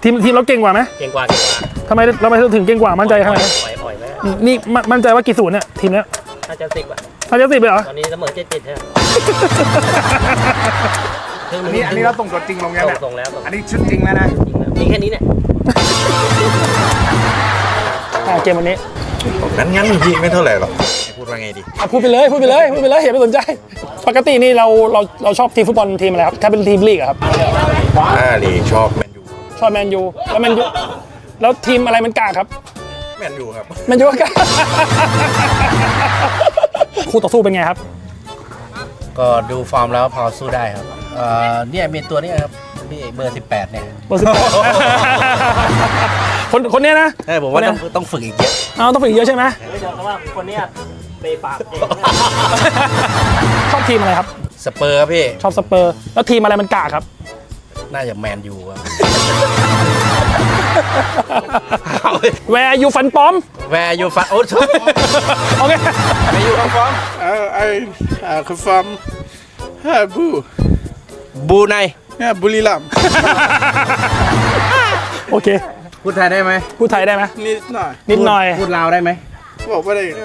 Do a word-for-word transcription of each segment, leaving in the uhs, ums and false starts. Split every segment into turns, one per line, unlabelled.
ทีมทีมเราเก่งกว่าไหม
เก่งกว่าเก่งกว่า
ทำไมเราไม่ถึงเก่งกว่ามั่นใจขนาดไหน
ปล่อยปล่อยไหม
นี่มั่นใจว่ากี่ศูนย์เนี่ยทีมเนี้ย
น่าจะสิบอ่ะ
น่าจะสิบเลยเหรอ
ตอนนี้เสมอเจ็ดเจ็ดใช่ไหม
อันนี้อันนี้เราส่งตัวจริงลงยังเนี่ย
ส่งแล้ว
อันนี้ชุดจริงแล้วนะ
มีแค่นี้เนี่ย
เกมวันนี้
งั้นงั้นจริงไม่เท่าไหร่หรอกพูดว่าไงดี
พูดไปเลยพูดไปเลยพูดไปเลยอย่าไปสนใจปกตินี่เราเราเราชอบทีมฟุตบอลทีมอะไรครับถ้าเป็นทีมลีกครับ
อ่าลีชอบแมนยู
ชอบแมนยูแล้วแมนยูแล้วทีมอะไรมันกากครับ
แมนยูครับ
แมนยูกากคู่ต่อสู้เป็นไงครับ
ก็ดูฟอร์มแล้วพอสู้ได้ครับเอ่อเนี่ยมีตัวนี้ครับพี่เบอร์สิบแปดเนี่ย
เบอร์สิบแปดคนคนนี้นะ
ใช่ผมว่าต้องต้องฝึกอีกเยอะ
เอาต้องฝึกอีกเยอะใช่ไหม
เดี๋ยวว่าคนนี้เปย์ปากเอง
ชอบทีมอะไรครับ
สเปอร์ครับพี่
ชอบสเปอร์แล้วทีมอะไรมันกากครับ
น่าจะแมนยูครับ
แวร์ยูฟันป้อม
แวร์ยูฟันโอ้โห
โอเค
แวร์ยูฟันป้อม
เออไออ่าคือฟอร์มฮาบู
บูไน
ฮะบุรีรัมย์
โอเค
พูดไทยได้ไหม
พูดไทยได้ไหม
นิดหน่อย
นิดหน่อย
พูดลาวได้ไหม
บอกว่าได้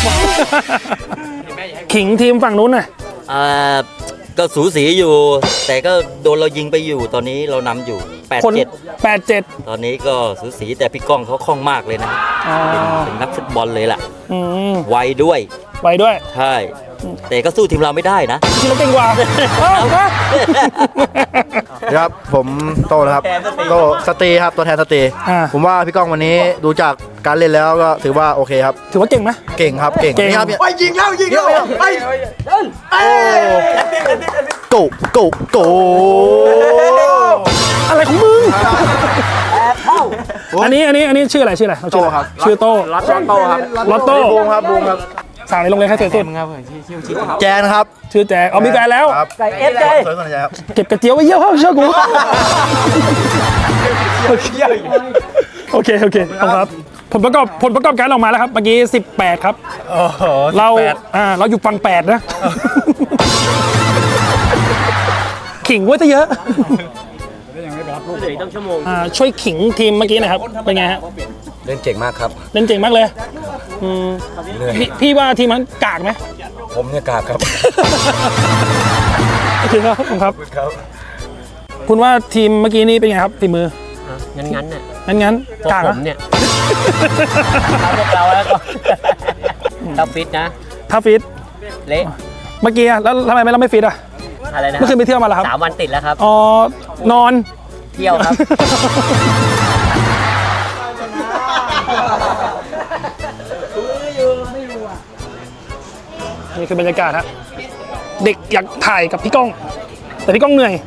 ขิงทีมฝั่งนู้นน่ะ
อ่าก็สูสีอยู่ แต่ก็โดนเรายิงไปอยู่ตอนนี้เรานำอยู่แปดเจ็ด
แปดเจ็ด
ตอนนี้ก็สูสีแต่พี่ก้องเขาคล่องมากเลยนะเป็นเป็นนักฟุตบอลเลยล่ะไวด้วย
ไวด้วย
ใช่แต่ก็สู้ทีมเราไม่ได้นะ
ทีมเราเก่งกว่า
ครับผมโตนะครับโตสตรีครับตัวแทนสตรีผมว่าพี่ก้องวันนี้ดูจากการเล่นแล้วก็ถือว่าโอเคครับ
ถือว่าเก่งไหม
เก่งครับเก่งนี่ครับ
ไปยิงแล้วยิงแล้วไป
โกโกโก
อะไรของมึงอันนี้อันนี้อันนี้ชื่ออะไรชื่ออะไร
โตครับ
ชื่อโต
ลอตโต้ครับ
ลอตโต้
บูมครับบูมครับ
สั่งในโรงเรียนใครเสียสุด
แจนครับ
ชื่อแจนเอามีแฟนแล้ว
ไก่เอฟใจ
เก็บกระเจียวไว้เยี่ยวเชื่อกูโอเคโอเคครับผลประกอบผลประกอบการออกมาแล้วครับเมื่อกี้สิบแปดครับเราอ่าเราอยู่ฝั่งแปดนะขิงไว้ซะเยอะ
ต้องชั่วโมง
อ่าช่วยขิงทีมเมื่อกี้นะครับเป็นไงฮะ
เล่นเก่งมากครับ
เล่นเก่งมากเลยพี่พี่ว่าทีมมันกากไหม
ผมเนี่ยกากครับ
โอเคครับผมครับคุณว่าทีมเมื่อกี้นี้เป็นไงครับฝีมือ
งั้นงั้นเนี่ย
งั้นงั้นกาก
ผมเนี่ยพวกเราแล้วก็ทับฟิตนะ
ทับฟิต
เละ
เมื่อกี้แล้วทำไมไม่เราไม่ฟิตอ่ะ
อะไรนะ
เมื่อคืนไปเที่ยวมาแล้วครับ
สามวันติดแล้วครับ
อ๋อนอน
เที่ยวครับ
นี่คือบรรยากาศฮะเด็กอยากถ่ายกับพี่ก้องแต่พี่ก้องเหนื่อย